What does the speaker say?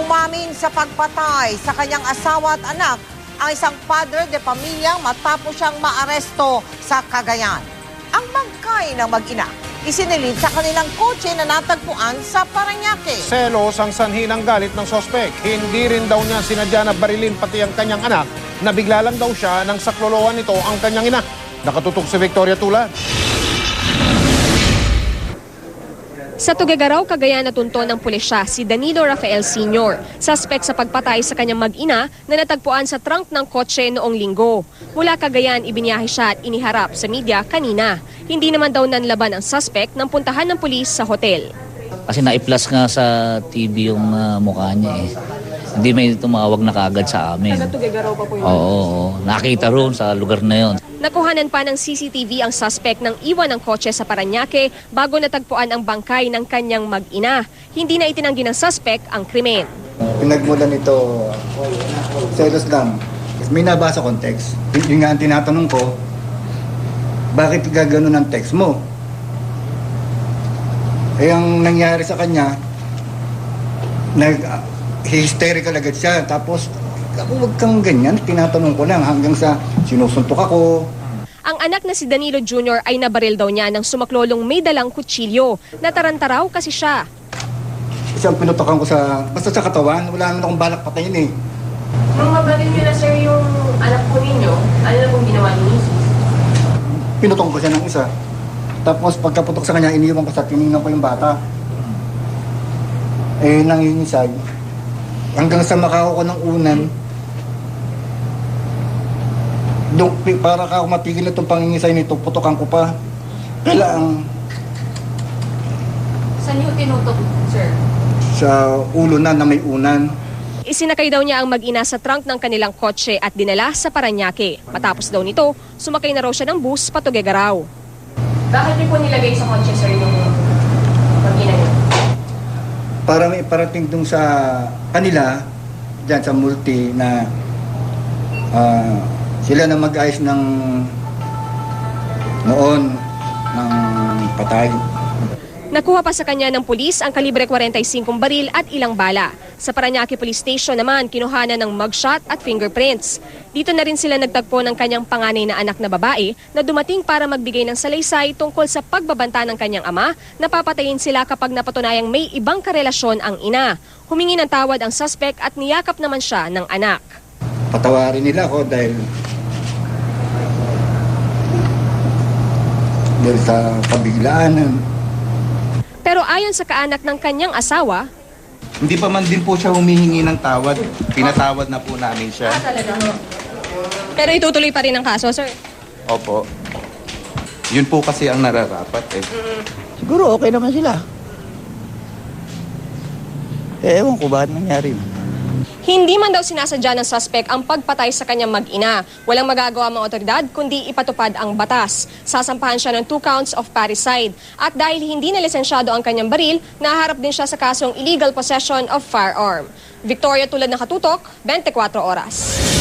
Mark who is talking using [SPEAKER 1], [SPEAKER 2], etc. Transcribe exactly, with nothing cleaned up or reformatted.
[SPEAKER 1] Umamin sa pagpatay sa kanyang asawa at anak ang isang padre de pamilya matapos siyang maaresto sa Cagayan. Ang bangkay ng mag-ina isinilid sa kanilang kotse na natagpuan sa Parañaque.
[SPEAKER 2] Selos ang sanhi ng galit ng sospek. Hindi rin daw niya sinadya na barilin pati ang kanyang anak na bigla lang daw siya nang sakloloan nito ang kanyang ina. Nakatutok si Victoria Tula.
[SPEAKER 3] Sa Tuguegarao, Cagayan natunto ng pulisya si Danilo Rafael Senior, suspect sa pagpatay sa kanyang mag-ina na natagpuan sa trunk ng kotse noong linggo. Mula Cagayan, ibinyahe siya at iniharap sa media kanina. Hindi naman daw nanlaban ang suspect nang puntahan ng pulis sa hotel.
[SPEAKER 4] Kasi na-i-plus nga sa T V yung uh, mukha niya eh. Hindi may tumawag na kaagad sa amin.
[SPEAKER 3] Taga Tuguegarao pa po yun?
[SPEAKER 4] Oo, oo. Nakita roon sa lugar na yon.
[SPEAKER 3] Nakuhanan pa ng C C T V ang suspect ng iwan ng kotse sa Parañaque bago natagpuan ang bangkay ng kanyang mag-ina. Hindi na itinanggi ng suspect ang krimen.
[SPEAKER 5] Pinagmulan nito, selos lang. May nabasa kong text. Yung nga ang tinatanong ko, bakit gagano ng text mo? Eh, ang nangyari sa kanya, nag-hysterical agad siya. Tapos, ako wag kang ganyan, tinatanong ko lang hanggang sa sinusuntok ako.
[SPEAKER 3] Ang anak na si Danilo Junior ay nabaril daw niya ng sumaklolong may dalang kutsilyo. Nataranta raw kasi siya.
[SPEAKER 5] Kasi ang pinutokan ko sa, basta sa katawan, wala naman akong balak patayin eh.
[SPEAKER 3] Nung mabaril niyo na sir yung anak po ninyo, ano na pong ginawa niyo?
[SPEAKER 5] Pinutong ko siya ng isa. Tapos pagkaputok sa kanya, iniwan ko sa tinignan ko yung bata. Eh, nangingisay. Hanggang sa makako ko ng unan, Duk, para ka ako matigil na itong pangingisay nito, putokan ko pa. Kailangan...
[SPEAKER 3] Saan niyo tinutok, sir?
[SPEAKER 5] Sa ulo na na may unan.
[SPEAKER 3] Isinakay daw niya ang mag-ina sa trunk ng kanilang kotse at dinala sa Parañaque. Matapos daw nito, sumakay na raw siya ng bus pa Tuguegarao. Bakit niyo po nilagay sa kotse, sir, yung mag-ina niyo?
[SPEAKER 5] Para may parating dun sa kanila, dyan sa multi na uh, sila na mag-ayos ng noon ng patay.
[SPEAKER 3] Nakuha pa sa kanya ng pulis ang kalibre forty-five baril at ilang bala. Sa Parañaque Police Station naman, kinuhanan ng mugshot at fingerprints. Dito na rin sila nagtagpo ng kanyang panganay na anak na babae na dumating para magbigay ng salaysay tungkol sa pagbabanta ng kanyang ama na papatayin sila kapag napatunayang may ibang karelasyon ang ina. Humingi ng tawad ang suspect at niyakap naman siya ng anak.
[SPEAKER 5] Patawarin nila ako dahil dahil sa pabiglaan.
[SPEAKER 3] Pero ayon sa kaanak ng kanyang asawa,
[SPEAKER 6] hindi pa man din po siya humihingi ng tawad. Pinatawad na po namin siya.
[SPEAKER 3] Ah, talaga ho. Pero itutuloy pa rin ang kaso, sir?
[SPEAKER 6] Opo. Yun po kasi ang nararapat eh.
[SPEAKER 7] Siguro okay naman sila. Eh, ewan ko bakit nangyari.
[SPEAKER 3] Hindi man daw sinasadya ng suspect ang pagpatay sa kanyang mag-ina. Walang magagawa mga otoridad kundi ipatupad ang batas. Sasampahan siya ng two counts of parricide. At dahil hindi na lisensyado ang kanyang baril, naharap din siya sa kasong illegal possession of firearm. Victoria Tulad ng Katutok, twenty-four oras.